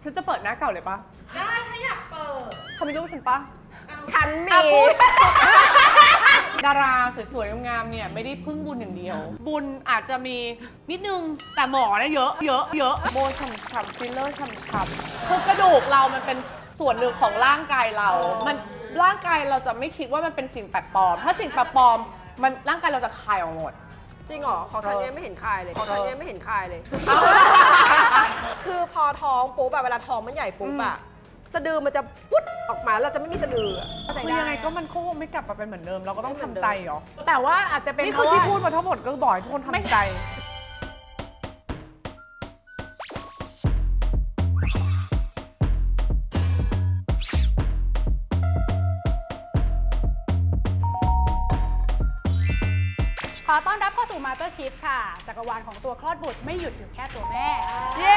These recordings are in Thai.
ฉันจะเปิดหน้าเก่าเลยปะได้ถ้าอยากเปิดทำไมรูปฉันปะฉันมีดาราสวยๆงามๆเนี่ยไม่ได้พึ่งบุญอย่างเดียว บุญอาจจะมีนิดนึงแต่หมอเนี่ยเยอะโบฉ่ำๆฟิลเลอร์ฉ่ำๆคือกระดูกเรามันเป็นส่วนหนึ่งของร่างกายเรา มันร่างกายเราจะไม่คิดว่ามันเป็นสิ่งแปลกปลอมถ้าสิ่งแปลกปลอมมันร่างกายเราจะคายออกหมดจริงเหรอของฉันยังไม่เห็นคายเลยของฉันยังไม่เห็นคายเลย คือพอท้องปุ๊บแบบเวลาท้องมันใหญ่ปุ๊บอะสะดือมันจะปุ๊ดออกมาเราจะไม่มีสะดือคือยังไงก็มันคงไม่กลับมาเป็นเหมือนเดิมเราก็ต้องทำใจเหรอแต่ว่าอาจจะเป็นนี่เพคือราะที่ว่าพูดมาทั้งหมดก็บอกให้ทุกคนทำใจขอต้อนรับเข้าสู่ Mothership ค่ะจักรวาลของตัวคลอดบุตรไม่หยุดอยู่แค่ตัวแม่เย้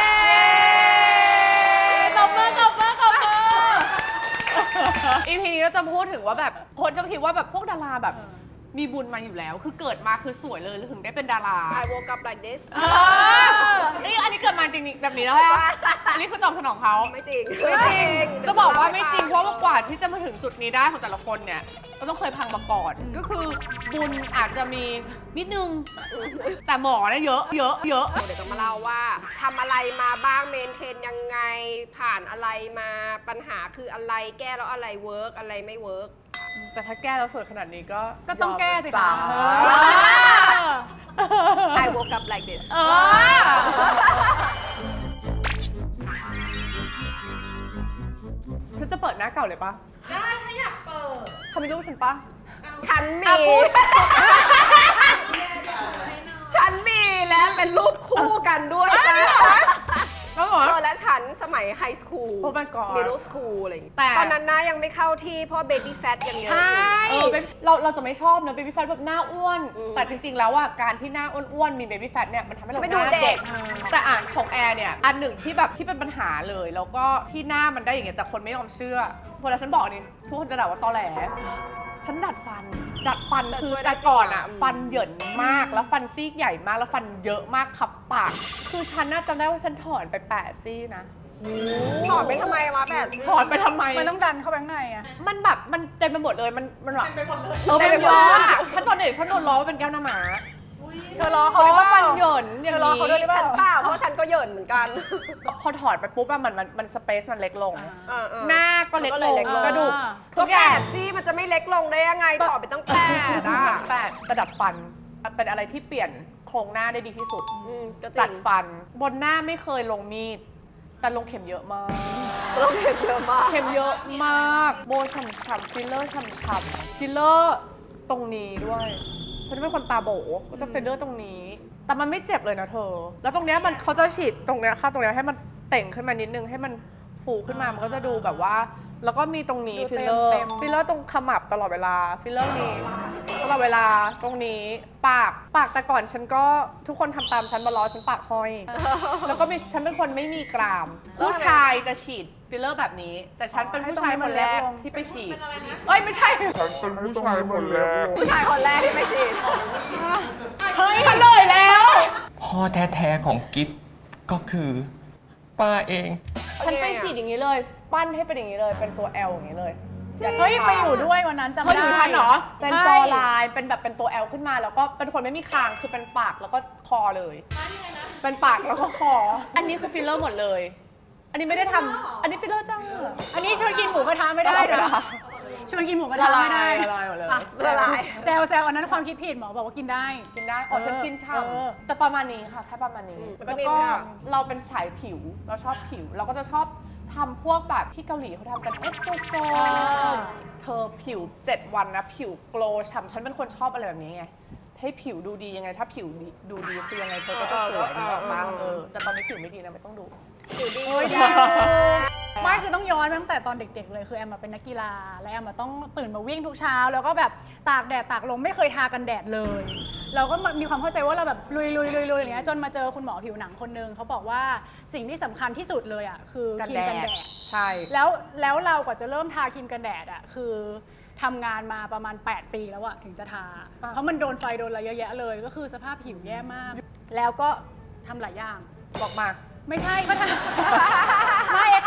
ตบมืออีพีนี้เราจะพูดถึงว่าแบบคนจะคิดว่าแบบพวกดาราแบบมีบุญมาอยู่แล้ว คือเกิดมาคือสวยเลยถึงได้เป็นดารา I woke up like this นี่อันนี้เกิดมาจริงๆแบบนี้แล้วอะอันนี้คือตอบสนองเขาไม่จริงจะบอกว่าไม่จริงเพราะว่ากว่าที่จะมาถึงจุดนี้ได้ของแต่ละคนเนี่ยก็ต้องเคยพังมาก่อนก็คือบุญอาจจะมีนิดนึงแต่หมอเนี่ยเยอะเดี๋ยวจะมาเล่าว่าทำอะไรมาบ้างเมนเทนยังไงผ่านอะไรมาปัญหาคืออะไรแก้แล้วอะไรเวิร์กอะไรไม่เวิร์กแต่ถ้าแก้แล้วสวยขนาดนี้ก็ก็ต้องแก้สิคะ I woke up like this ฉันจะเปิดหน้าเก่าเลยปะได้ถ้าอยากเปิดทำไมรูปฉันปะฉันมี ฉันมีและเป็นรูปคู่กันด้วยจ้ะแล้วเหรอและฉันสมัยไฮสคูล Oh my god มิดเดิลสคูลอะไรอย่างเงี้ยแต่ตอนนั้นนะยังไม่เข้าที่เพราะเบบี้แฟตยังเยอะอยู่เราจะไม่ชอบนะเบบี้แฟตแบบหน้าอ้วน แต่จริงๆแล้วอ่ะการที่หน้าอ้วนๆมีเบบี้แฟตเนี่ยมันทำให้เราไม่หดูน้าเด็เด็กก แต่อ่านของแอร์เนี่ยอันหนึ่งที่แบบที่เป็นปัญหาเลยแล้วก็ที่หน้ามันได้อย่างเงี้ยแต่คนไม่ยอมเชื่อพอแล้วฉันบอกนี่ทุกคนจะด่าว่าตอแหลฉันดัดฟันคือแต่ก่อนอ่ะฟันเหยินมากแล้วฟันซีกใหญ่มากแล้วฟันเยอะมากขับปากคือฉันน่าจำได้ว่าฉันถอนไป8 ซี่นะถอดไปทำไมมาแบบนี้ถอนไปทำไมมันต้องดันเข้าไปข้างในอะมันแบบมันเต็มไปหมดเลยมันแบบไปหมดเลยมันเยอะอะฉันตอนเด็กฉันโดนล้อว่าเป็นแก้วหน้าหมาเธอรอเพเขาราะหรือว่าเปฟัล่านเหยินอย่างเธอรอเขาด้วยหรือเปฉัล่านเปล่าเพราะฉันก็เหยินเหมือนกันพอถอดไปปุ๊บอะมันสเปซมันเล็กลง หหน้าน้าก็เล็กมันก็ลเลยงเล็กลงกระดูกก็แปดซี่มันจะไม่เล็กลงได้ยังไงถอดไปตั้งแปดอ่ะแต่ระดับฟันเป็นอะไรที่เปลี่ยนโครงหน้าได้ดีที่สุดก็จจัริดงฟันบนหน้าไม่เคยลงมีดแต่ลงเข็มเยอะมากต้องเข็มเยอะมากเข็มเยอะมากโบฉ่ำๆฟิลเลอร์ฉ่ำๆฟิลเลอร์ตรงนี้ด้วยฉันเป็นคนตาโบก็จะฟิลเลอร์ตรงนี้แต่มันไม่เจ็บเลยนะเธอแล้วตรงเนี้ยมันเขาจะฉีดตรงเนี้ยค่ะตรงเนี้ยให้มันเต่งขึ้นมานิดนึงให้มันฟูขึ้นมามันก็จะดูแบบว่าแล้วก็มีตรงนี้ดูฟิลเลอร์เต็มฟิลเลอร์ตรงขมับตลอดเวลาฟิลเลอร์นี้ตลอดเวลาตรงนี้ปากแต่ก่อนฉันก็ทุกคนทำตามฉันมาล้อฉันปากห้อย แล้วก็มีฉันเป็นคนไม่มีกราม ผู้ชายจะฉีดฟิลเลอร์แบบนี้ แต่ฉันเป็นผู้ชายคนแรกที่ไปฉีดเอ้ยไม่ใช่ฉันเป็นผู้ชายคนแรกผู้ชายคนแรกที่ไม่ฉีดเฮ้ยเฉลยแล้วพ่อแท้ๆของกิฟก็คือป้าเองฉันไปฉีดอย่างนี้เลย ปั้นให้เป็นอย่างนี้เลย เป็นตัว L อย่างนี้เลยเฮ้ยไปอยู่ด้วยวันนั้นจำเขาได้อยู่ทันเหรอ เป็นใช่จอลาย เป็นแบบเป็นตัว L ขึ้นมา แล้วก็เป็นคนไม่มีคาง คือเป็นปากแล้วก็คอเลย เป็นปากแล้วก็คอ อันนี้คือฟิลเลอร์หมดเลย อันนี้ไม่ได้ทำอันนี้ฟิลเลอร์จ้าอันนี้ชวนกินหมูกระทะไม่ได้ตลอดเวนะลาชวนกินหมูกระทะไม่ได้ละลายหมดเลยอ่ะละลายแซวอันนั้นความคิดผิดหมอบอกว่ากินได้กินได้อ๋อฉันกินเออช่ำแต่ประมาณนี้ค่ะแค่ประมาณนี้ แล้วก็เราเป็นสายผิว เราชอบผิว เราก็จะชอบทำพวกแบบที่เกาหลีเขาทำกันเอ็กโซโซเธอผิว 7 วันนะ ผิวโกลว์ฉ่ำฉันเป็นคนชอบอะไรแบบนี้ไง ให้ผิวดูดียังไง ถ้าผิวดูดีคือยังไงเธอก็จะสวยนึกออกปะแต่ตอนนี้ผิวไม่ดีนะไม่ต้องดูอยู่ดีโอ้ยดีไม่คือต้องย้อนไปตั้งแต่ตอนเด็กๆเลยคือแอมมาเป็นนักกีฬาและแอมมาต้องตื่นมาวิ่งทุกเช้า แล้วก็แบบตากแดดตากลมไม่เคยทากันแดดเลย เราก็มีความเข้าใจว่าเราแบบลุยอย่างเงี้ยจนมาเจอคุณหมอผิวหนังคนนึงเขาบอกว่าสิ่งที่สำคัญที่สุดเลยอ่ะคือครีมกันแดดใช่แล้วเรากว่าจะเริ่มทาครีมกันแดดอ่ะคือทำงานมาประมาณ8 ปีแล้วอะถึงจะทา เพราะมันโดนไฟโดนอะไรเยอะแยะเลยก็คือสภาพผิวแย่มาก แล้วก็ทำหลายอย่างบอกมาไม่ใช่ก็ทำ ไม่เอ็ก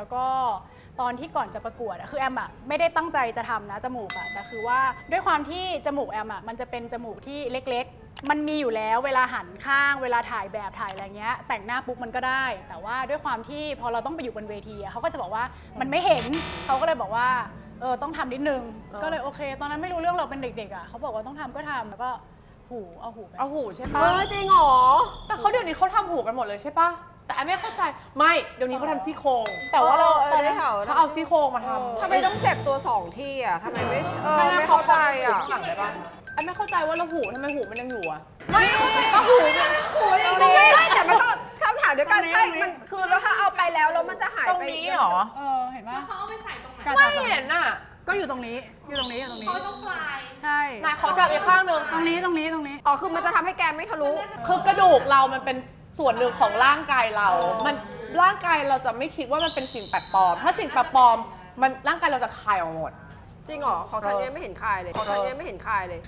แล้วก็ตอนที่ก่อนจะประกวดอะคือแอมอะไม่ได้ตั้งใจจะทำนะจมูกอะแต่คือว่าด้วยความที่จมูกแอมอะมันจะเป็นจมูกที่เล็กๆมันมีอยู่แล้วเวลาหันข้างเวลาถ่ายแบบถ่ายอะไรเงี้ยแต่งหน้าปุ๊บมันก็ได้ แต่ว่าด้วยความที่พอเราต้องไปอยู่บนเวทีอะเขาก็จะบอกว่ามันไม่เห็นเขาก็เลยบอกว่าต้องทำนิดนึงก็เลยโอเค ตอนนั้นไม่รู้เรื่องเราเป็นเด็กๆอะเขาบอกว่าต้องทำก็ทำแล้วก็เอาหูไปเอาหูใช่เอปะอจริงเหรอแต่เขาเดี๋ยวนี้เขาทำหูกันหมดเลยใช่ปะแต่ไอ้ไม่เข้าใจไม่เดี๋ยวนี้เขาทำซี่โครงแต่ว่าเราเออได้ข่าวเขาเอาซี่โครงมาทำทำไมต้องเจ็บตัว2ที่อ่ะทำไมไม่ไม่ไม่เข้าใจอ่ะข้างหลังได้ปะไอ้ไม่เข้าใจว่าเราหูทำไมหูมันยังอยู่อะไม่เข้าใจก็หูเนี่ยหูยังอยู่ใช่แต่มันก็คำถามเดียวกันใช่ มันคือแล้วถ้าเอาไปแล้วมันจะหายตรงไปนี้เหรอเห็นปะแล้วเขาเอาไปใส่ตรงไหนไม่เห็นอะก็อยู่ตรงนี้อยู่ตรงนี้อยู่ตรงนี้เขาต้องปลายใช่นายเขาจับอีกข้างหนึ่งตรงนี้อ๋อคือมันจะทำให้แกไม่ทะลุคือกระดูกเรามันเป็นส่วนหนึ่งของร่างกายเรา มันร่างกายเราจะไม่คิดว่ามันเป็นสิ่งแปลกปลอม ถ้าสิ่งแปลกปลอมมันร่างกายเราจะคายออกหมดจริงเหรอของฉันยังไม่เห็นคายเลยของฉันยังไม่เห็นคายเลย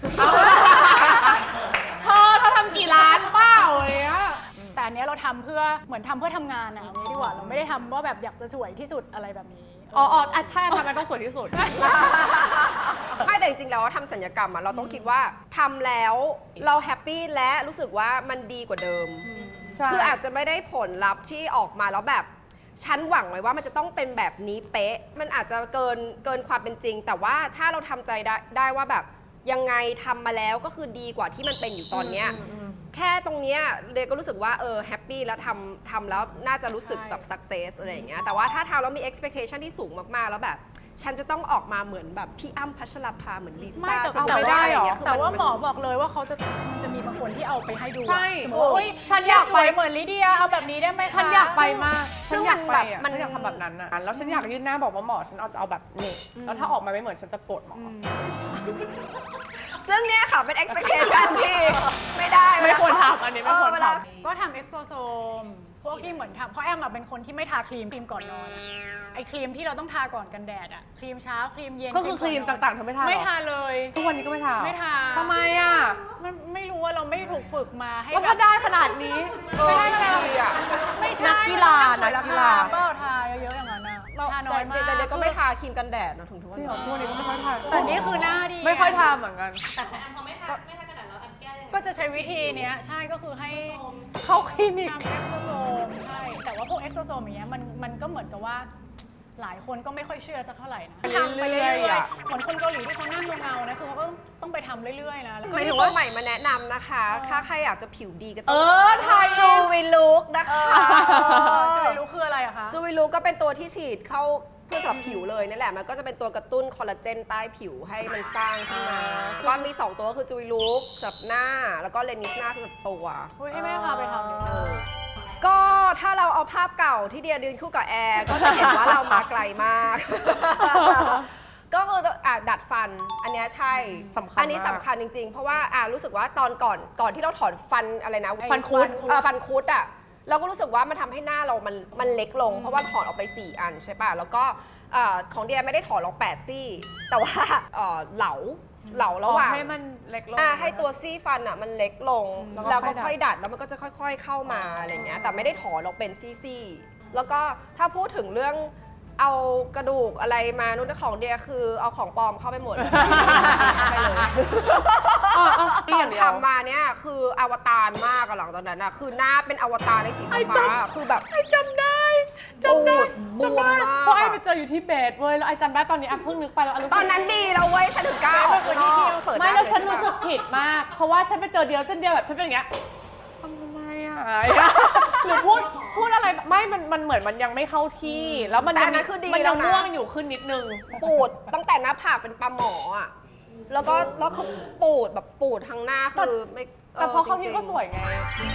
เธอทำกี่ล้านเปล่าเลยอะแต่อันเนี้ยเราทำเพื่อเหมือนทำเพื่อทำงานอะเอางี้ดีกว่าเราไม่ได้ทำว่าแบบอยากจะสวยที่สุดอะไรแบบนี้ถ้าทำไมต้องสวยที่สุดไม่แต่จริงๆแล้วทำศัลยกรรมอะเราต้องคิดว่าทำแล้วเราแฮปปี้และรู้สึกว่ามันดีกว่าเดิมใช่คืออาจจะไม่ได้ผลลัพธ์ที่ออกมาแล้วแบบฉันหวังไว้ว่ามันจะต้องเป็นแบบนี้เป๊ะ มันอาจจะเกินความเป็นจริง แต่ว่าถ้าเราทำใจได้ว่าแบบยังไงทำมาแล้วก็คือดีกว่าที่มันเป็นอยู่ตอนเนี้ยแค่ตรงเนี้ยเดยก็รู้สึกว่าแฮปปี้แล้วทำแล้วน่าจะรู้สึกแบบ success อะไรอย่างเงี้ยแต่ว่าถ้าทำแล้วมี expectation ที่สูงมากๆแล้วแบบฉันจะต้องออกมาเหมือนแบบพี่อ้ำพัชราภาเหมือนลิไม่ซ่าแต่จะไม่ได้หรอคืแต่ว่ามันหมอบอกเลยว่ามันจะมีบางคนที่เอาไปให้ดูอะใช่สมมติว่าเฮ้ยฉันอยากสไปวยเหมือนลิเดียเอาแบบนี้ได้ไหมคะฉันอยากไปมากซึ่งฉันอยากไปมันแบบฉันอยากทำแบบนั้นอะแล้วฉันอยากยื่นหน้าบอกว่าหมอฉันเอาแบบนี้แล้วถ้าออกมาไม่เหมือนฉันจะโกรธหมออซึ่งเนี่ยค่ะเป็น expectation ที่ไม่ได้ไม่ควรทำอันนี้ไม่ควรเวลาทำก็ทำเอ็กโซโซมพวกที่เหมือนทำเพราะแอมอะเป็นคนที่ไม่ทาครีมก่อนนอนอะไอครีมที่เราต้องทาก่อนกันแดดอะครีมเช้าครีมเย็นก็คือครีมก่นนนต่างๆเธอไม่ทาหรอไม่ทาเลยทุกวันนี้ก็ไม่ทาไม่ทาทำไมอะมันไม่รู้ว่าเราไม่ได้ถูกฝึกมาให้แล้วแบถ้าบได้ขนาดนี้ไม่ได้เลยอ่ะไม่ใช่นักกีฬามัต้องสวยนักกีฬารคเปล่าทาเยอะๆอย่างนั้นอะทาน้อยมากแต่เด็กก็ไม่ทาครีมกันแดดนะถึงทุกวันจริงนี้เหรอทุกวันนี้ก็ไม่ค่อยทาแต่นี่คือหน้าดีไม่ค่อยทาเหมือนกันแต่แอนพอไม่ทากระดาษแล้วแอนแก้ยังไงก็จะใช้วิธีเนี้ยใช่ก็คือให้เข้าคลินิกทำเอ็กโซโซมใช่แต่ว่าพวกเอ็กโซโซมอย่างเงี้ยมันก็เหมือนกับว่าหลายคนก็ไม่ค่อยเชื่อสักเท่าไหร่นะทำไปเรื่อยๆเหมือนคนเกาหลีที่เขานั่งเงาๆนะคือเขาก็ต้องไปทำเรื่อยๆนะแล้วก็ก็มีถือตัวว่าใหม่มาแนะนำนะคะ ถ้าใครอยากจะผิวดีก็เอต้องอไทยจูวิลุกนะคะจะไม่รู้คืออะไรอะคะจูวิลุกก็เป็นตัวที่ฉีดเข้าเพื่อสำหรับผิวเลยนั่นแหละ มันก็จะเป็นตัวกระตุ้นคอลลาเจนใต้ผิวให้มันสร้างขึ้นมาก็มี 2 ตัวคือจูวิลุกสำหรับหน้า แล้วก็เลนิสหน้าสำหรับตัวเฮ้ยให้แม่พาไปทำเดี๋ยวก็ถ้าเราเอาภาพเก่าที่เดียยืนคู่กับแอร์ก็จะเห็นว่าเรามาไกลมาก ก็คือดัดฟันอันเนี้ยใช่สำคัญอันนี้สำคัญจริงๆ เพราะว่ารู้สึกว่าตอนก่อนที่เราถอนฟันอะไรนะฟันคุดฟันคุดอ่ะเราก็รู้สึกว่ามันทำให้หน้าเรามันเล็กลง เพราะว่าถอนออกไป 4 อันใช่ป่ะแล้วก็ของเดียไม่ได้ถอนลง8 ซี่ แต่ว่าเหลาระหว่างให้มันเล็กลงให้ตัวซี่ฟันอ่ะมันเล็กลงแล้แล้ว วก็ก็ค่ค่ออย ยดัดแล้วมันก็จะค่อย ๆเข้ามาอะไรเงี้ยแต่ไม่ได้ถอนออกเป็นซี่ๆแล้วก็ถ้าพูดถึงเรื่องเอากระดูกอะไรมานู่นของเดียคือเอาของปลอมเข้าไปหมด ไปเลยนี่ตออนย่างเดียวทำมาเนี่ยคืออวตารมากอะหลังจากนั้นอะคือหน้าเป็นอวตารในสีฟ้าๆคือแบบจำได้ปูดบวมจำได้มากเพราะไอ้ไปเจออยู่ที่เบสเว้ยแล้วไอ้จำได้ตอนนี้ไอ้เพิ่งนึกไปแล้วไอ้รู้สึกตอนนั้นดีแล้วเว้ยฉันถึงกล้าออกข้างนอกเปิดไม่ได้แล้วฉันเลยรู้สึกผิดมาก เพราะว่าฉันไปเจอเดียวฉันเดียวแบบฉันเป็นอย่างเงี้ยทำไมอ่ะหรือพูดอะไรไม่มันเหมือนมันยังไม่เข้าที่ แล้วมันยังมันยังม่วงอยู่ขึ้นนิดนึงปูดตั้งแต่หน้าผากเป็นปลาหมออะแล้วคือปูดแบบปูดทั้งหน้าคือไม่แต่พอเข้าที่ก็จริงๆสวยไง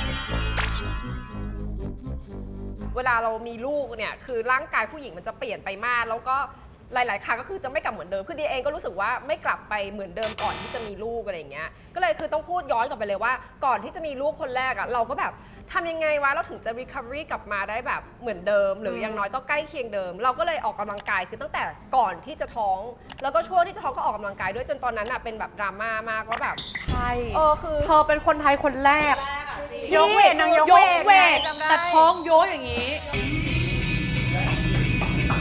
เวลาเรามีลูกเนี่ยคือร่างกายผู้หญิงมันจะเปลี่ยนไปมากแล้วก็หลาย ๆ ครั้งก็คือจะไม่กลับเหมือนเดิมคือดีเองก็รู้สึกว่าไม่กลับไปเหมือนเดิมก่อนที่จะมีลูกอะไรอย่างเงี้ยก็เลยคือต้องพูดย้อนกลับไปเลยว่าก่อนที่จะมีลูกคนแรกอะเราก็แบบทำยังไงวะเราถึงจะ recovery กลับมาได้แบบเหมือนเดิม หรืออย่างน้อยก็ใกล้เคียงเดิม เราก็เลยออกกำลังกายคือตั้งแต่ก่อนที่จะท้อง แล้วก็ช่วงที่จะท้องก็ออกกำลังกายด้วยจนตอนนั้นอะเป็นแบบดราม่ามากว่าแบบใช่คือเธอเป็นคนไทยคนแรกแรกอะจริงยกเวทนางยกยกเวทจำได้แต่ท้องโยอย่างนี้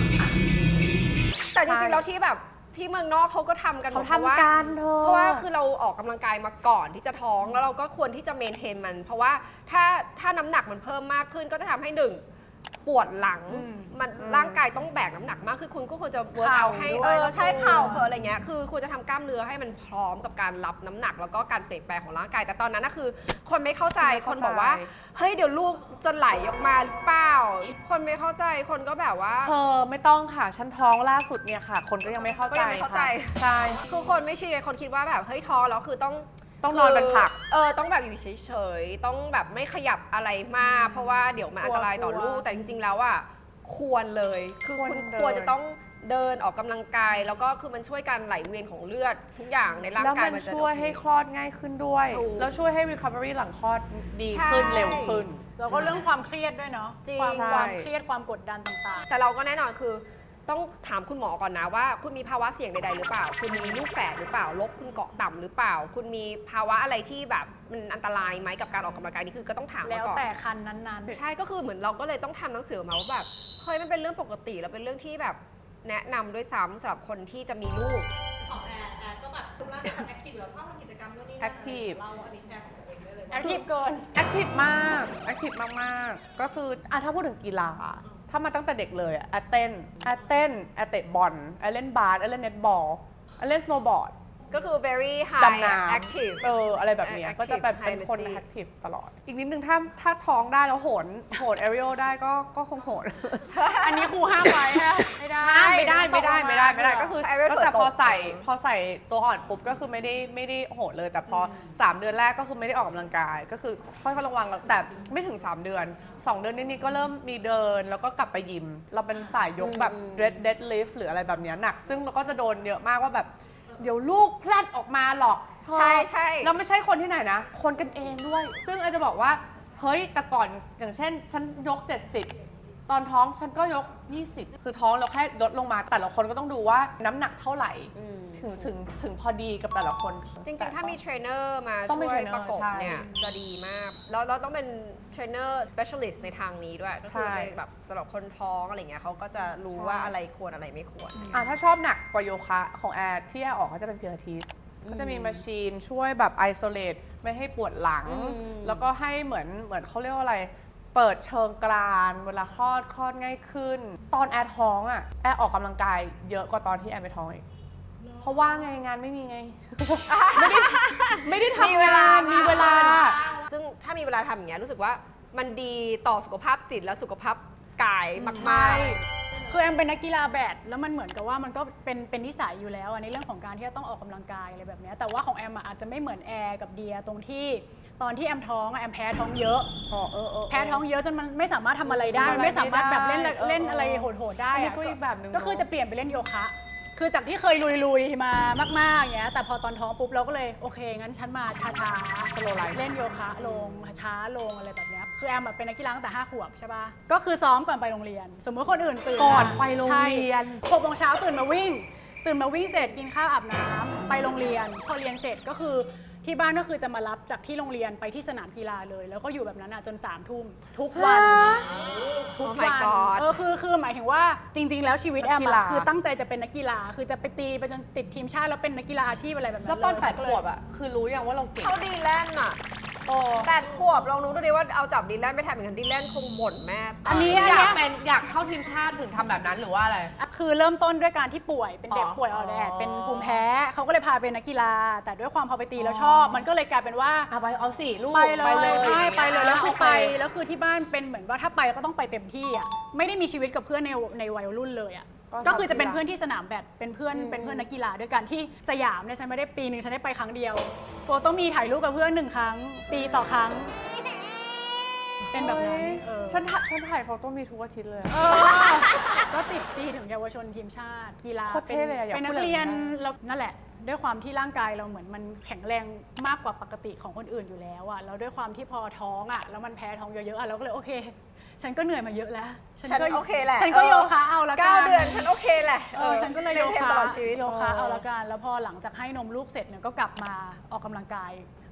แต่จริงๆแล้วที่แบบที่เมืองนอกเขาก็ทำกันหมเขาดเพราะว่าทำกันเธอเพราะว่าคือเราออกกำลังกายมาก่อนที่จะท้องแล้วเราก็ควรที่จะเมนเทนมัน เพราะว่าถ้าน้ำหนักมันเพิ่มมากขึ้นก็จะทำให้หนึ่งปวดหลังมันร่างกายต้องแบกน้ำหนักมากคือคุณก็ควรจะเวิร์กเอาให้เข่าด้วยใช่เข่าอะไรเงี้ยคือควรจะทำกล้ามเนื้อให้มันพร้อมกับการรับน้ำหนักแล้วก็การเปลี่ยนแปลงของร่างกายแต่ตอนนั้นนะคือ คนไม่เข้าใจคนบอกว่าเฮ้ยเดี๋ยวลูกจะไหลออกมาหรือเปล่าคนไม่เข้าใจคนก็แบบว่าเธอไม่ต้องค่ะ ฉันท้องล่าสุดเนี่ยค่ะ คนก็ยังไม่เข้าก็ใจยังไม่เข้าใจค่ะใช่คือคนไม่เชื่อคนคิดว่าแบบเฮ้ยท้องแล้วคือต้องนอนเป็นผักต้องแบบอยู่เฉยๆต้องแบบไม่ขยับอะไรมาก เพราะว่าเดี๋ยวมันอันตรายต่อลูกแต่จริงๆแล้วอ่ะควรเลยคือคุณควรเดินควรจะต้องเดินออกกำลังกาย แล้วก็คือมันช่วยการไหลเวียนของเลือดทุกอย่างในร่างแล้วกายมันมันจะช่วยให้คลอดง่ายขึ้นด้วยถูกแล้วช่วยให้ recovery หลังคลอดดีใช่ขึ้นเร็วขึ้นแล้วก็เรื่องความเครียดด้วยเนาะจริงความใช่ความเครียดความกดดันต่างแต่เราก็แน่นอนคือต้องถามคุณหมอก่อนนะว่า คุณมีภาวะเสี่ยงใดๆหรือเปล่า คุณมีลูกแฝดหรือเปล่าลบคุณเกาะต่ำหรือเปล่า คุณมีภาวะอะไรที่แบบมันอันตรายไหมกับการออกกำลังกายนี่คือก็ต้องถามๆ แล้มาว ก่อนแต่คันนั้นๆใช่ก็คือเหมือนเราก็เลยต้องทำหนังสือมาว่าแบบเฮ้ยมันเป็นเรื่องปกติแล้วเป็นเรื่องที่แบบแนะนำด้วยซ้ำสำหรับคนที่จะมีลูกของแอนก็แบบทุกร่างเป็นคนแอคทีฟอยู่แล้วชอบทำกิจกรรมนู่นนี่นั่น Active เราอันนี้แชร์ของตัวเองได้เลยแอคทีฟเกิน active มาก active มากๆ ก็คือถ้าพูดถึงกีฬา ถ้ามาตั้งแต่เด็กเลยแอดเต้นแอดเตะบอลแอดเล่นบาสแอดเล่นเน็ตบอลแอดเล่นสโนว์บอร์ดก็คือ very high ดำน้ำ active อะไรแบบเนี้ย Active ก็จะเป็น high คน energy active ตลอด อีกนิดนึงถ้าท้องได้แล้วโหนแอริโอได้ก็คงโหนอันนี้ครูห้ามไว้ฮะไม่ได้ไม่ได้ก็คือให้ไว้ก็แต่เผื่พออตกใส่ตัวอ่อนปุ๊บก็คือไม่ได้โหดเลย แต่พอ 3 เดือนแรกก็คือไม่ได้ออกกำลังกาย ก็คือค่อยๆระวังแต่ไม่ถึง 3 เดือน 2 เดือนนิดๆก็เริ่มมีเดินแล้วก็กลับไปยิม เราเป็นสายยกแบบ deadlift หรืออะไรแบบเนี้ยหนัก ซึ่งเราก็จะโดนเยอะมากว่าแบบ เดี๋ยวลูกแพลดออกมาหรอกเธอใช่เราไม่ใช่คนที่ไหนนะ คนกันเองด้วย ซึ่งอาจจะบอกว่าเฮ้ยแต่ก่อนอย่างเช่นฉันยก 70 ตอนท้องฉันก็ยก 20 คือท้องเราแค่ลดลงมาแต่ละคนก็ต้องดูว่าน้ำหนักเท่าไหร่อืมถึงพอดีกับแต่ละคนจริงๆ ถ้ามีเทรนเนอร์มาต้องมีช่วยเทรนเนอร์ประกบใช่เนี่ยจะดีมาก แล้วเราต้องเป็นเทรนเนอร์ specialist ในทางนี้ด้วย ก็คือใช่ในแบบสำหรับคนท้องอะไรเงี้ยเขาก็จะรู้ว่าอะไรควรอะไรไม่ควรถ้าชอบหนักกว่าโยคะของแอร์ที่แอร์ออกก็จะเป็นพิลาทิสก็จะมีมาชีนช่วยแบบไอโซเลตไม่ให้ปวดหลัง แล้วก็ให้เหมือนเขาเรียกว่าอะไร เปิดเชิงกรานเวลาคลอดง่ายขึ้น ตอนแอร์ท้องแอร์ออกกำลังกายเยอะกว่าตอนที่แอร์ไม่ท้องอีกเพราะว่าไงงานไม่มีไง ไม่ได้ทำมีเวลามีเวลาซึ่งถ้ามีเวลาทำอย่างเงี้ยรู้สึกว่ามันดีต่อสุขภาพจิตและสุขภาพกายมากๆคือแอมเป็นนักกีฬาแบดแล้วมันเหมือนกับว่ามันก็เป็นนิสัยอยู่แล้วในเรื่องของการที่จะต้องออกกำลังกายอะไรแบบเนี้ยแต่ว่าของแอมอาจจะไม่เหมือนแอร์กับเดียตรงที่ตอนที่แอมท้องแอมแพ้ท้องเยอะแพ้ท้องเยอะจนมันไม่สามารถทำอะไรได้มันไม่สามารถแบบเล่นอะไรโหดๆได้อันนี้อะก็อีกแบบหนึ่งก็คือจะเปลี่ยนไปเล่นโยคะ คือจากที่เคยลุยๆมามากๆอย่างเงี้ยแต่พอตอนท้องปุ๊บเราก็เลยโอเคงั้นฉันมาช้าๆเล่นโยคะลงช้าลงอะไรแบบเนี้ยคือแอมเป็นนักกีฬาตั้งแต่5 ขวบใช่ป่ะก็คือซ้อมก่อนไปโรงเรียน สมมติคนอื่นตื่นก่อนไปโรงเรียน 6 โมงเช้าตื่นมาวิ่งเสร็จกินข้าวอาบน้ำไปโรงเรียนพอเรียนเสร็จก็คือที่บ้านก็คือจะมารับจากที่โรงเรียนไปที่สนามกีฬาเลย แล้วก็อยู่แบบนั้นจน3 ทุ่มทุกวัน ทุก Oh my วัน God คือหมายถึงว่าจริง ๆ แล้วชีวิตแอมนักกีฬาคือตั้งใจจะเป็นนักกีฬา คือจะไปตีไปจนติดทีมชาติแล้วเป็นนักกีฬาอาชีพอะไรแบบนั้นแล้วตอนเลย 8 ขวบคือรู้อย่างว่าเราเก่งเขาดีแลนด์อ่ะโอ้ 8 ขวบลองดูดิว่าเอาจับดีแลนด์ไปทำอย่างนั้นดีแลนด์คงบ่นแม่ตายอันนี้อยากเข้าทีมชาติถึงทำแบบนั้นหรือว่าอะไรคือเริ่มต้นด้วยการที่ป่วยเป็นเด็กอ๋อป่วยอ่อนแอเป็นภูมิแพ้เขาก็เลยพาเป็นนักกีฬา แต่ด้วยความพอไปตีแล้วชอบ มันก็เลยกลายเป็นว่าไปเอาสิลูกไปเลยใช่ไปเลยแล้วคือไปโเแล้วคือที่บ้านเป็นเหมือนว่าถ้าไปก็ต้องไปเต็มที่อ่ะไม่ได้มีชีวิตกับเพื่อนในวัยรุ่นเลยอ่ะก็ก็คือจะเป็นกีฬาเพื่อนที่สนามแบดเป็นเพื่อนนักกีฬาด้วยกันที่สยามเนี่ยฉันไม่ได้ปีหนึ่งฉันได้ไปครั้งเดียวโฟโต้มีถ่ายรูปกับเพื่อน1 ครั้ง ปีต่อครั้ง เป็นแบบนั้นฉันถ่ายโฟโต้มีทุกอาทิตย์เลยก็ติดตีถึงเยาวชนทีมชาติกีฬาโคตรเท่เลยอะอยากเป็นนัพูดกแบบนั้นเรียนแล้วนั่นแหละ ด้วยความที่ร่างกายเราเหมือนมันแข็งแรงมากกว่าปกติของคนอื่นอยู่แล้วอะแล้วด้วยความที่พอท้องอะแล้วมันแพ้ท้องเยอะๆอะเราก็เลยโอเค ฉันก็เหนื่อยมาเยอะแล้วฉันโอเคแหละฉันก็โยคะเอาละกัน 9 เดือนฉันโอเคแหละฉันก็เลยโยเทนคะตลอดชีวิตโยคะเอาละกันแล้วพอหลังจากให้นมลูกเสร็จเนี่ยก็กลับมาออกกำลังกาย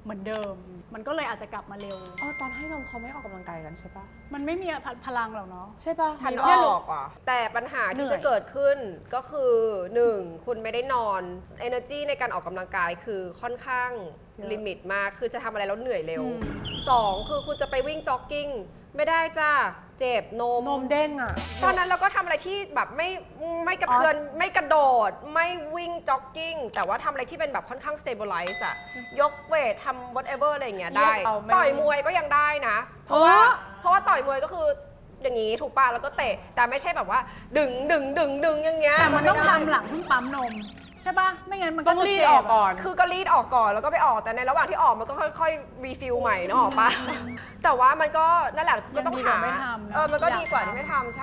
เหมือนเดิม มันก็เลยอาจจะกลับมาเร็วตอนให้นมเขาไม่ออกกำลังกายกันใช่ปะมันไม่มีพลังหรอกเนาะใช่ปะฉันเนี่ยอลูอกอ่ะแต่ปัญหาที่จะเกิดขึ้นก็คือ 1. คุณไม่ได้นอน energy ในการออกกำลังกายคือค่อนข้างลิมิตมากคือจะทำอะไรแล้วเหนื่อยเร็ว 2. คือคุณจะไปวิ่งจ็อกกิ้งไม่ได้จ้าเจ็บนมนมเด้งอ่ะตอนนั้นเราก็ทำอะไรที่แบบไม่กระเทือนไม่กระโดด ไม่วิ่งจ็อกกิ้งแต่ว่าทำอะไรที่เป็นแบบค่อนข้าง stabilize อะยกเวททำ whatever อะไรอย่างเงี้ยได้เอาไม่ต่อยมวยก็ยังได้นะ เพราะว่าต่อยมวยก็คืออย่างงี้ถูกป่ะแล้วก็เตะแต่ไม่ใช่แบบว่าดึงอย่างเงี้ยแต่มันต้องไได้ทำหลังเพิ่งปั๊มนมใช่ปะไม่งั้นมันต้ก็องจะรีดเจ็บออกก่อนคือก็รีดออกก่อนแล้วก็ไปออกแต่ในระหว่างที่ออกมันก็ค่อยๆรีฟิลใหม่เนอะออกปะ แต่ว่ามันก็นั่นแหละคุณก็ต้องหาไม่ทำนะมันก็อยากดีกว่าที่ทำไม่ทำใช่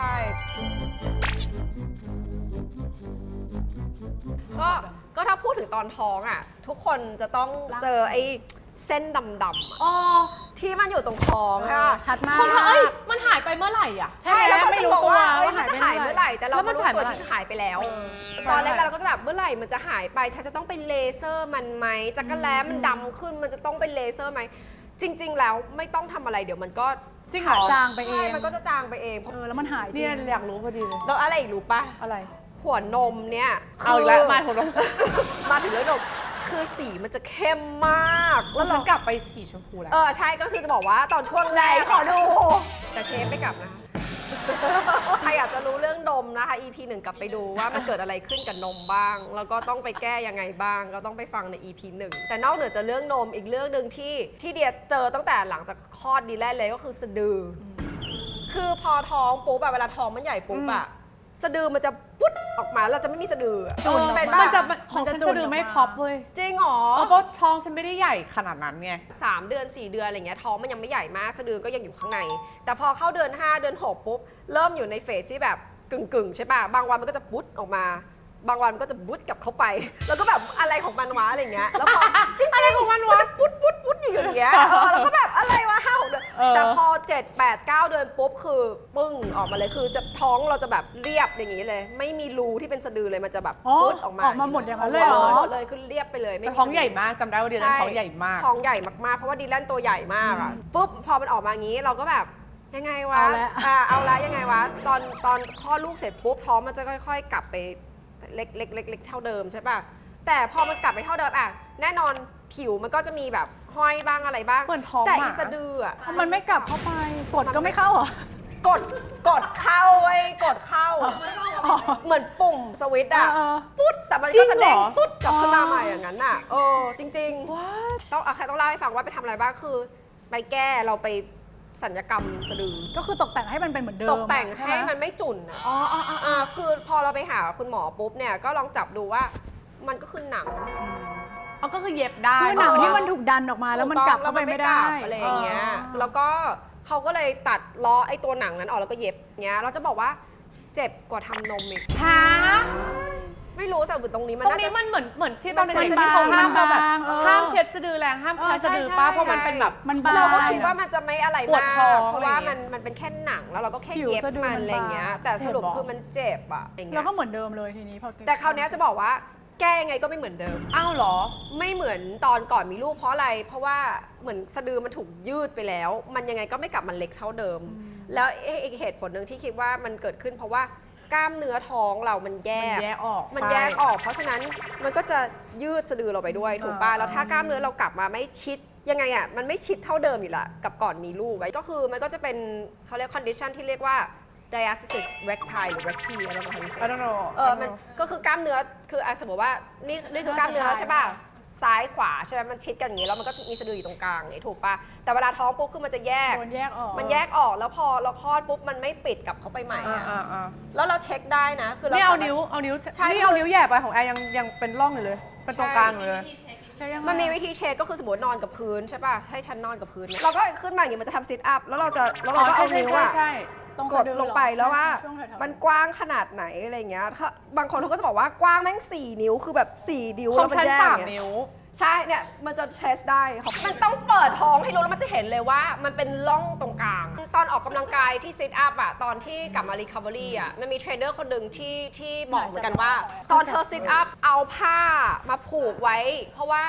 ก็ถ้าพูดถึงตอนท้องอ่ะ ทุกคนจะต้องเจอไอ้เส้นดำๆอะอ๋อที่มันอยู่ตรงท้องค่ะชัดมากคนละมันหายไปเมื่อไหร่อ่ะใช่แล้วก็ไม่จะรู้บอกว่าตัวเอ้ยว่ามันจะหายเมื่อไหร่แต่เราแล้วมัไม่นรู้หายตัวเมื่อไหร่ที่หายไปแล้ว ตอนแรกเราก็จะแบบเมื่อไหร่มันจะหายไปฉันจะต้องไปเลเซอร์มันไหมจักรแล้มันดำขึ้นมันจะต้องไปเลเซอร์ไหมจริง ๆ แล้วไม่ต้องทำอะไรเดี๋ยวมันก็จริงเหรอจางไปเอใช่งมันก็จะจางไปเองแล้วมันหายจริเนี่ยงอยากรู้พอดีเลยแล้วอะไรอีกรู้ปะอะไรหัวนมเนี่ยเอาอีกแล้วมาหัวนมมาถึงเรื่องนมคือสีมันจะเข้มมากแล้วฉันกลับไปสีชมพูแล้วใช่ก็คือจะบอกว่าตอนช่วงแรกขอดู แต่เชฟไม่กลับนะคะ ใครอยากจะรู้เรื่องนมนะคะ EP 1 กลับไปดูว่ามันเกิดอะไรขึ้นกับนมบ้าง แล้วก็ต้องไปแก้ยังไงบ้าง ก็ต้องไปฟังใน EP 1 แต่นอกเหนือจากเรื่องนมอีกเรื่องหนึ่งที่เดียเจอตั้งแต่หลังจากคลอดดีแลนเลยก็คือสะดือคือพอท้องปุ๊บแบบเวลาท้องมันใหญ่ปุ๊บอะสะดือมันจะปุ๊ดออกมาเราจะไม่มีสะดืออะจุ่นออกมาเป็นมันปะจะของฉันจะดูไม่พอปเว้ยจริงเหรอเพราะท้องฉันไม่ได้ใหญ่ขนาดนั้นไง 3 เดือน 4 เดือนอะไรเงี้ยท้องมันยังไม่ใหญ่มากสะดือก็ยังอยู่ข้างใน แต่พอเข้าเดือน 5 เดือน 6 ปุ๊บ เริ่มอยู่ในเฟสที่แบบกึ่งใช่ป่ะ บางวันมันก็จะปุ๊ดออกมา บางวันมันก็จะบุ๊ดกลับเข้าไป แล้วก็แบบอะไรของมันวะอะไรเงี้ยแล้วพอจริงๆอะไรของมันวะจะปุ๊ดอยู่อย่างเงี้ยแล้วก็แบบอะไรวะ5-6 เดือนแต่พอ 7, 8, 9 เดือนปุ๊บคือปึ้งออกมาเลยคือจะท้องเราจะแบบเรียบอย่างงี้เลย ไม่มีรูที่เป็นสะดือเลยมันจะแบบอ๋อฟึดออกมาออกมาหมดอย่างนั้นเลยเหรอหมดเลยคือเรียบไปเลยไม่แต่มีท้องสะดืใหญ่มากจำได้ว่าเดือนนั้นท้องใหญ่มากท้องใหญ่มากๆ เพราะว่าดีแลนตัวใหญ่มากอ่ะปุ๊บพอมันออกมางี้เราก็แบบยังไงวะเอาละยังไงวะตอนคลอดลูกเสร็จปุ๊บท้องมันจะค่อยๆ กลับไปเล็กเท่าเดิมใช่ป่ะแต่พอมันกลับไปเท่าเดิมอ่ะแน่นอนผิวมันก็จะมีแบบห้อยบ้างอะไรบ้างเหมือนท้องแต่หมาอีสะดืออ่ะมันไม่กลับเข้าไปกดก็ไม่เข้าเหรอกดเข้าไว้ยกดเข้า เหมือนปุ่มสวิตช์อ่ะเออปุ๊ดแต่มันก็จะเด้งปุ๊ดกลับขึ้นมาใหม่อย่างนั้นอ่ะจริงๆ ต้องใครต้องเล่าให้ฟังว่าไปทำอะไรบ้างคือไปแก้เราไปสัญญกรรมสะดือก็คือตกแต่งให้มันเป็นเหมือนเดิมตกแต่งช่ให้ไมันไม่จุ่นคือพอเราไปหาคุณหมอปุ๊บเนี่ยก็ลองจับดูว่ามันก็คือหนังเอาก็คือเย็บได้คือหนังที่มันถูกดันออกมาแล้วมันกลับเข้าไปไม่ได้อะไรอย่างเงี้ยแล้วก็เขาก็เลยตัดล้อไอ้ตัวหนังนั้นออกแล้วก็เย็บเงี้ยเราจะบอกว่าเจ็บกว่าทำนมอีกฮะไม่รู้แต่ตรงนี้มันตรงน่านี้จะมันเหมือนที่ตอนมันเด็กใส่ๆที่เขาห้ามมาแบบบางๆห้ามเช็ดสะดือแรงห้ามแคะสะดือป้าเพราะมันเป็นแบบมันบางเราก็คิดว่ามันจะไม่อะไรปวดมาท้อก งเพราะว่าอะไรอย่างเงี้ยมันเป็นแค่หนังแล้วเราก็แค่ผิวเย็บสะดือมันมันอะไรอย่างเงี้ยบางแต่สรุปเจ็บเหรอคือมันเจ็บอะอย่างเงี้แล้วยก็เหมือนเดิมเลยทีนี้พอแต่คราวเนี้ยจะบอกว่าแก้ยังไงก็ไม่เหมือนเดิมอ้าวเหรอไม่เหมือนตอนก่อนมีลูกเพราะอะไร เพราะว่าเหมือนสะดือมันถูกยืดไปแล้ว มันยังไงก็ไม่กลับมาเล็กเท่าเดิม แล้วอีกเหตุผลหนึ่งที่คิดว่ามันเกิดขึ้นเพราะว่ากล้ามเนื้อท้องเรามันแยกมันแยกออกมันใช่แยกออก เพราะฉะนั้นมันก็จะยืดสะดือเราไปด้วยถูกป่ะ แล้วถ้ากล้ามเนื้อเรากลับมาไม่ชิดยังไงอ่ะ มันไม่ชิดเท่าเดิมอยู่ละกับก่อนมีลูกอะก็คือมันก็จะเป็นเขาเรียก condition ที่เรียกว่า diastasis recti หรือ recti อะไรประมาณนี้ I don't know มันก็คือกล้ามเนื้อคือสมมติว่านี่คือกล้ามเนื้อใช่ป่ะซ้ายขวาใช่ไหมมันชิดกันอย่างนี้แล้วมันก็มีสะดืออยู่ตรงกลางนี่ถูกป่ะแต่เวลาท้องปุ๊บคือมันจะแยกโดนแยกออกมันแยกออกแล้วพอเราคลอดปุ๊บมันไม่ปิดกลับเข้าไปใหม่อะอ่าแล้วเราเช็คได้นะคือเรานี่เอาสมรถนิ้วใช่นี่เอานิ้วแหย่ไปของแอร์ยังเป็นร่องอยู่เลย เป็นตรงกลางอยู่เลยใช่ยังไงมันมีวิธีเช็คก็คือสมมตินอนกับพื้นใช่ป่ะให้ฉันนอนกับพื้นเนี่ยเราก็ขึ้นมาอย่างนี้มันจะทำซิทอัพแล้วเราก็เอานิ้วอะใช่ตรงกสะดดือลงไปแล้วว่าช่งแถๆมันกว้างขนาดไหนอะไรเงี้ยบางคนเขาก็จะบอกว่ากว้างแม่ง4 นิ้วคือแบบ4 นิ้วขอแล้งวมันฉันแยก 3 เนี่ยนิ้วใช่เนี่ยมันจะเทสได้ค่ะมันต้องเปิดท้องให้รู้แล้วมันจะเห็นเลยว่ามันเป็นร่องตรงกลาง ตอนออกกำลังกายที่ซิทอัพอะตอนที่กลับมารีคาบอรี่อะมันมีเทรนเนอร์คนหนึ่งที่บอกเหมือนกันว่า ตอนเธอซิทอัพเอาผ้ามาผูกไว้เพราะว่า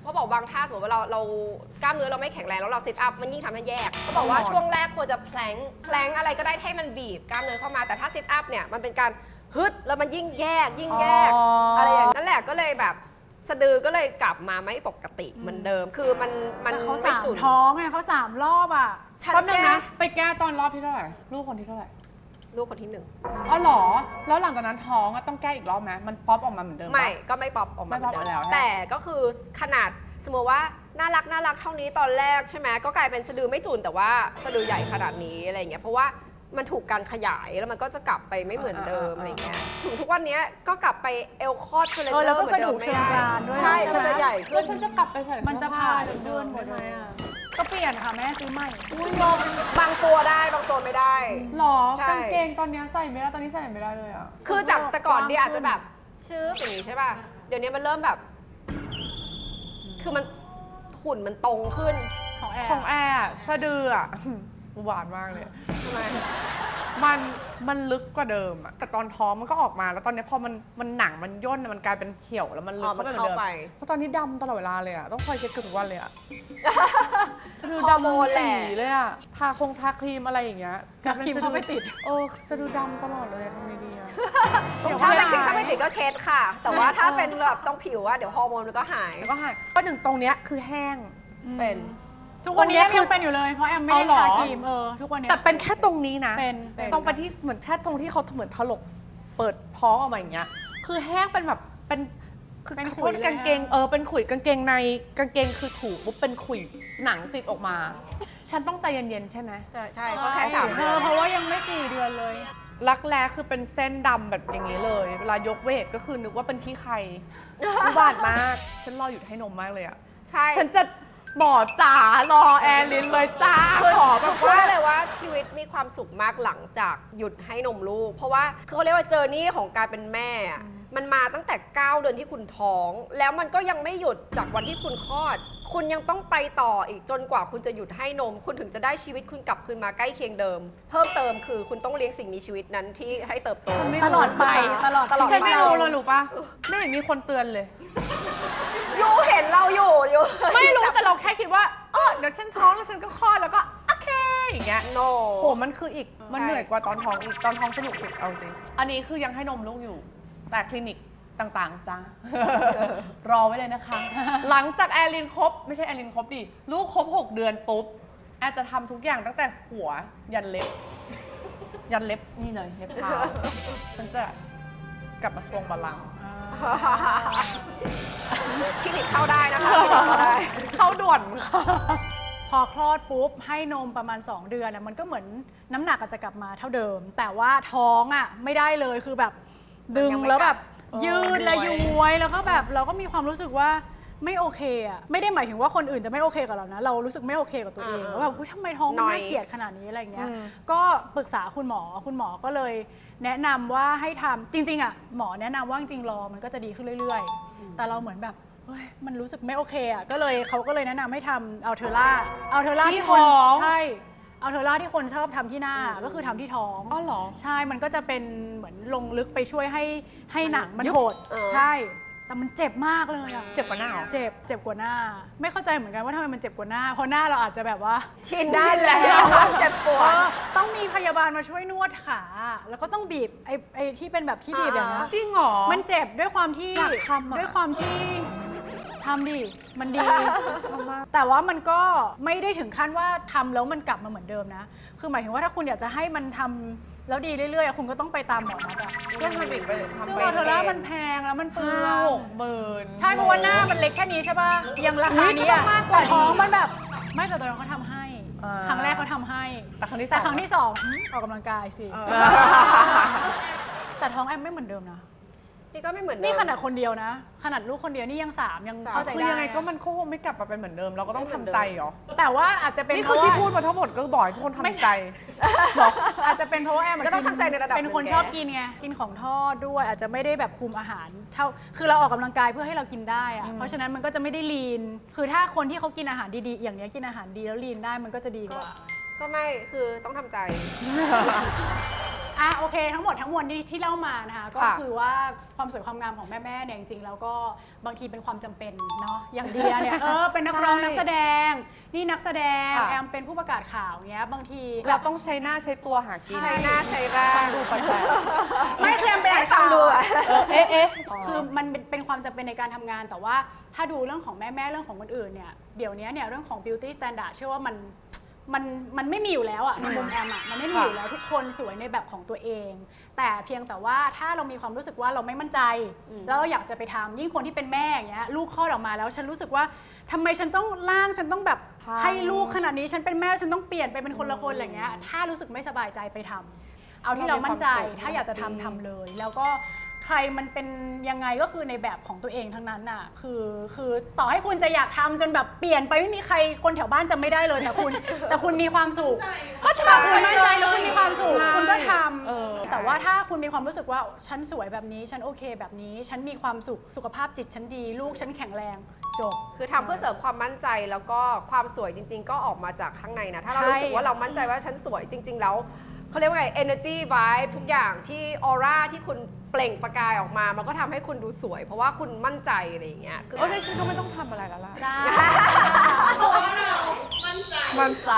เขาบอกบางท่าสมมติว่าเรากล้ามเนื้อเราไม่แข็งแรงแล้วเราซิทอัพมันยิ่งทำให้แยกเขาบอกว่าช่วงแรกควรจะแพลงอะไรก็ได้ให้มันบีบกล้ามเนื้อเข้ามาแต่ถ้าซิทอัพเนี่ยมันเป็นการฮึดแล้วมันยิ่งแยกอะไรอย่างนั้นแหละก็เลยแบบสะดือก็เลยกลับมาไม่ปกติเหมือนเดิมคือมันแต่เขาไม่ 3 จุดท้องไงเขา3 รอบอ่ะฉันแป๊บนึงแก้นะไปแก้ตอนรอบที่เท่าไหร่ลูกคนที่เท่าไหร่ลูกคนที่หนึ่งอ๋อเหรอแล้วหลังจากนั้นท้องอะต้องแก้อีกรอบไหมมันป๊อปออกมาเหมือนเดิมปะไม่ก็ไม่ป๊อปออกมาไม่ป๊อปเหมือนเดิแล้วมฮะแต่ก็คือขนาดสมมติว่าน่ารักเท่านี้ตอนแรกใช่ไหมก็กลายเป็นสะดือไม่จุนแต่ว่าสะดือใหญ่ขนาดนี้อะไรอย่างเงี้ยเพราะว่ามันถูกการขยายแล้วมันก็จะกลับไปไม่เหมือนเดิมอะไรอย่างเงี้ยถึงทุกวันนี้ก็กลับไปเอลคอร์ดเซเลนเดอแล้วร์ก็เหมือนเดิมกระดูกไม่เชิงได้กรานด้วยใช่ใช่ไหมมันจะใหญ่ขึ้แล้วนฉันจะกลับไปใส่มันจะเสื้อผ้ผ่านเดิมๆได้ไหมอะก็เปลี่ยนค่ะแม่ซื้อใหม่บางตัวได้บางตัวไม่ได้หรอใช่กางเกงตอนเนี้ยใส่ไม่ได้ตอนนี้ใส่ไม่ได้เลยอะคือจากแต่ก่อนดีกว้างขึ้นอาจจะแบบชื่ออย่างนี้ใช่ป่ะเดี๋ยวนี้มันเริ่มแบบ คือมันหุ่นมันตรงขึ้นของแอร์ของแอร์อะสะดืออะ หวานมากเลยทำไมมันลึกกว่าเดิมอะแต่ตอนท้องมันก็ออกมาแล้วตอนนี้พอมันหนังมันย่นอะมันกลายเป็นเหี่ยวแล้วมันลึอ๋กอมันเข้าไปเหมือนเดิมเข้าไปเพราะตอนนี้ดำตลอดเวลาเลยอะต้องคอยเช็ดเกือบทุกวันเลยอะคือฮอร์โมนแหละสีเลยอะทาครีมอะไรอย่างเงี้ยกับครีมเข้าไปติดสะดือดำตลอดเลยอะทำไงดีอะถ้าไม่ติดก็เช็ดค่ะ แต่ว่าถ้าเป็นแบบต้องผิวอะเดี๋ยวฮอร์โมนมันก็หายแล้วก็หายก็หนึ่งตรงเนี้ยคือแห้งเป็นทุกวันนี้ตรงเนี้ยคือยังเป็นอยู่เลยเพราะแอมไม่ได้เอาเหรอทาครีมทุกวันเนี้ยแต่เป็นแค่ตรงนี้นะเป็นตรงไปที่เหมือนแค่ตรงที่เขาเหมือนถลกเปิดท้องออกมาอย่างเงี้ย คือแห้งเป็นแบบเป็นคือเป็นขอขุโทยษเลยกางเกงเป็นขุยกางเกงในกางเกงคือถูปุ๊บเป็นขุยหนังติดออกมา ฉันต้องใจเย็นๆใช่ไหมใช่เพราะแค่3 เดือนเพราะว่ายังไม่4 เดือนเลยรักแร้คือเป็นเส้นดำแบบอย่างนี้เลย เวลายกเวทก็คือนึกว่าเป็นขี้ใครอุบาทมาก ฉันรออยู่ให้นมมากเลยอะใช่ฉันจะหมอจ๋ารอแอร์ลินเลยจ้าคือขอแบบพูดว่าได้เลยว่าชีวิตมีความสุขมากหลังจากหยุดให้นมลูก เพราะว่าคือเขาเรียกว่าเจอร์นี่ของการเป็นแม่อะมันมาตั้งแต่ 9 เดือนที่คุณท้อง แล้วมันก็ยังไม่หยุดจากวันที่คุณคลอด คุณยังต้องไปต่ออีกจนกว่าคุณจะหยุดให้นม คุณถึงจะได้ชีวิตคุณกลับคืนมาใกล้เคียงเดิม เพิ่มเติมคือคุณต้องเลี้ยงสิ่งมีชีวิตนั้นที่ให้เติบโตตลอดไปตลอดตลอดฉันไปไม่รู้เลยรู้ปะไม่เห็นมีคนเตือนเลยยูเห็นเราอยู่อยู่ไม่รู้แต่เราแค่คิดว่าเดี๋ยวฉันท้องแล้วฉันก็คลอดแล้วก็โอเคอย่างเงี้ยโนโหมันคืออีกมันเหนื่อยกว่าตอนท้องอีกตอนท้องสนุกสุดเอาจริงอันนี้คือยังให้นมลูกอยู่ แต่คลินิกต่างๆจ้า รอไว้เลยนะคะ หลังจากแอลินครบไม่ใช่แอลินครบดิลูกครบ 6 เดือนปุ๊บแอร์จะทำทุกอย่างตั้งแต่หัวยันเล็บ ยันเล็บนี่เลยเล็บเท้าฉันจะกลับมาทวงบัลลังก์คลินิกเข้าได้นะคะคลินิกเข้าได้เข้าด่วนค่ะพอคลอดปุ๊บให้นมประมาณ 2 เดือนมันก็เหมือนน้ำหนักอาจจะกลับมาเท่าเดิม แต่ว่าท้องไม่ได้เลยคือแบบดึงยังไม่แล้วแบบกลับยืดและย้วยแล้วก็แบบเราก็มีความรู้สึกว่าไม่โอเคไม่ได้หมายถึงว่าคนอื่นจะไม่โอเคกับเรานะเรารู้สึกไม่โอเคกับตัวเองว่าแบบทำไมท้องมันน่าเกลียดขนาดนี้อะไรอย่างเงี้ยก็ปรึกษาคุณหมอก็เลยแนะนำว่าให้ทำจริงๆหมอแนะนำว่าจริงๆรอมันก็จะดีขึ้นเรื่อยๆ แต่เราเหมือนแบบเฮ้ยมันรู้สึกไม่โอเคก็เลยเขาก็เลยแนะนำให้ทำอัลเทอร่าที่คนใช่อัลเทอร่าที่คนชอบทำที่หน้าก็คือทำที่ท้องอ๋อเหรอใช่มันก็จะเป็นเหมือนลงลึกไปช่วยให้หนังมันยุบโหดใช่ใช่แต่มันเจ็บมากเลยอะเจ็บกว่าหน้าเหรอเจ็บกว่าหน้า ไม่เข้าใจเหมือนกันว่าทำไมมันเจ็บกว่าหน้าเพราะหน้าเราอาจจะแบบว่าชินได้แล้วเจ็บปวดต้องมีพยาบาลมาช่วยนวดขาแล้วก็ต้องบีบไอ้ที่เป็นแบบที่บีบอย่างนี้นจริงเหรอมันเจ็บด้วยความที่อยากทำอะด้วยความที่ทำดิ มันดี แต่ว่ามันก็ไม่ได้ถึงขั้นว่าทำแล้วมันกลับมาเหมือนเดิมนะ คือหมายถึงว่าถ้าคุณอยากจะให้มันทำแล้วดีเรื่อยๆคุณก็ต้องไปตามหมอนัดอะก็ทำอีกไปเลยซึ่งอัลเทอร่ามันแพงแล้วมันเปลือง 6 หมื่นใช่เพราะว่าหน้ามันเล็กแค่นี้ใช่ป่ะยังราคานี้ก็ต้อะองมากกว่าแต่ท้องมันแบบไม่แต่ตอนนั้นเขาทำให้อ่าครั้งแรกเขาทำให้แต่ครั้งที่แต่สองครั้งที่สองออกกำลังกายสิ แต่ท้องแอมไม่เหมือนเดิมนะนี่ก็ไม่เหมือนเดิมนี่ขนาดคนเดียวนะ ขนาดลูกคนเดียวนี่ยัง3ยังเข้าใจคือได้ยังไงก็มันคงไม่กลับมาเป็นเหมือนเดิม เราก็ต้องทำใจเหรอแต่ว่าอาจจะเป็นนี่เพคือราะที่ว่าพูดมาทั้งหมดก็บอกให้ทุกคนไม่ทำใช่ใจอาจจะเป็นเพราะว่าแอมก็ต้องทำใจในระดับเป็นคนหนึ่งชอบกินไงกินของทอดด้วยอาจจะไม่ได้แบบคุมอาหารเท่าคือเราออกกำลังกายเพื่อให้เรากินได้อะเพราะฉะนั้นมันก็จะไม่ได้ลีน คือถ้าคนที่เขากินอาหารดีๆอย่างเนี้ยกินอาหารดีแล้วลีนได้มันก็จะดีกว่าก็ไม่คือต้องทำใจโอเคทั้งหมดทั้งมวลที่เล่ามานะคะก็ค่ะคือว่าความสวยความงามของแม่ๆเนี่ยจริงๆแล้วก็บางทีเป็นความจำเป็นเนาะอย่างเดียเนี่ยเป็นนักร้องใช่นักแสดงนี่นักแสดงค่ะแอมเป็นผู้ประกาศข่าวเงี้ยบางทีเราต้องใช้หน้าใช้ตัวหากินใช้หน้าใช้ร่างดูแปลกไม่คือแอมเป็นให้ฟังดูอะเอ๊ะคือมันเป็นความจำเป็นในการทำงานแต่ว่าถ้าดูเรื่องของแม่ๆเรื่องของคนอื่นเนี่ยเดี๋ยวนี้เนี่ยเรื่องของ beauty standard เชื่อว่ามันไม่มีอยู่แล้วอะในมุมแอมอะมันไม่มีอยู่แล้วทุกคนสวยในแบบของตัวเอง แต่เพียงแต่ว่าถ้าเรามีความรู้สึกว่าเราไม่มั่นใจ แล้วเราอยากจะไปทำยิ่งคนที่เป็นแม่อย่างเงี้ยลูกคลอดออกมาแล้วฉันรู้สึกว่าทำไมฉันต้องร่างฉันต้องแบบให้ลูกขนาดนี้ฉันเป็นแม่ฉันต้องเปลี่ยนไปเป็นคนละคนอะไรเงี้ยถ้ารู้สึกไม่สบายใจไปทำเอาที่เรามั่นใจถ้าอยากจะทำเลย แล้วก็ใครมันเป็นยังไงก็คือในแบบของตัวเองทั้งนั้นน่ะคือต่อให้คุณจะอยากทำจนแบบเปลี่ยนไปไม่มีใครคนแถวบ้านจำไม่ได้เลยแต่คุณมีความสุขก็ทำคุณมั่นใจแล้วคุณมีความสุขใช่คุณก็ทเออำแต่ว่าถ้าคุณมีความรู้สึกว่าฉันสวยแบบนี้ฉันโอเคแบบนี้ ฉันมีความสุขสุขภาพจิตฉันดีลูกฉันแข็งแรงจบคือทำเพื่อเสริมความมั่นใจแล้วก็ความสวยจริง ๆ ก็ออกมาจากข้างในนะ ถ้าเราใช่รู้สึกว่าเรามั่นใจว่าฉันสวยจริง ๆ แล้วเขาเรียกว่าไง energy vibe ทุกอย่างที่ออร่าที่คุณเปล่งประกายออกมา มันก็ทำให้คุณดูสวย เพราะว่าคุณมั่นใจอะไรอย่างเงี้ยคือโอ้ยฉันก็ไม่ต้องทำอะไรแล้วล่ะได้เพราะว่าเรามั่นใจมันใจ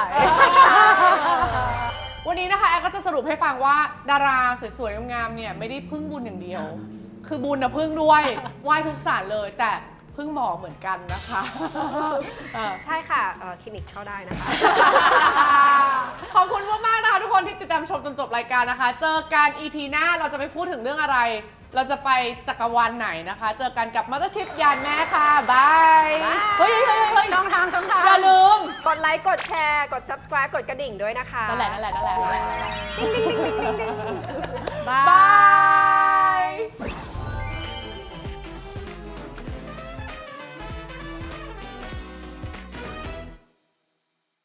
วันนี้นะคะแอร์ก็จะสรุปให้ฟังว่าดาราสวยๆงามๆเนี่ยไม่ได้พึ่งบุญอย่างเดียว คือบุญนะพึ่งด้วยไหว้ทุกศาลเลย แต่พึ่งหมอเหมือนกันนะคะเออใช่ค่ะคลินิกเข้าได้นะคะขอบคุณมากๆนะคะทุกคนที่ติดตามชมจนจบรายการนะคะ เจอกัน EP หน้าเราจะไปพูดถึงเรื่องอะไร เราจะไปจักรวาลไหนนะคะ เจอกันกับมัตเตอร์ชิพยานแม่ค่ะบายเฮ้ยช่องทางอย่าลืมกดไลค์ กดแชร์ กด subscribe กดกระดิ่งด้วยนะคะนั่นแหละบาบาย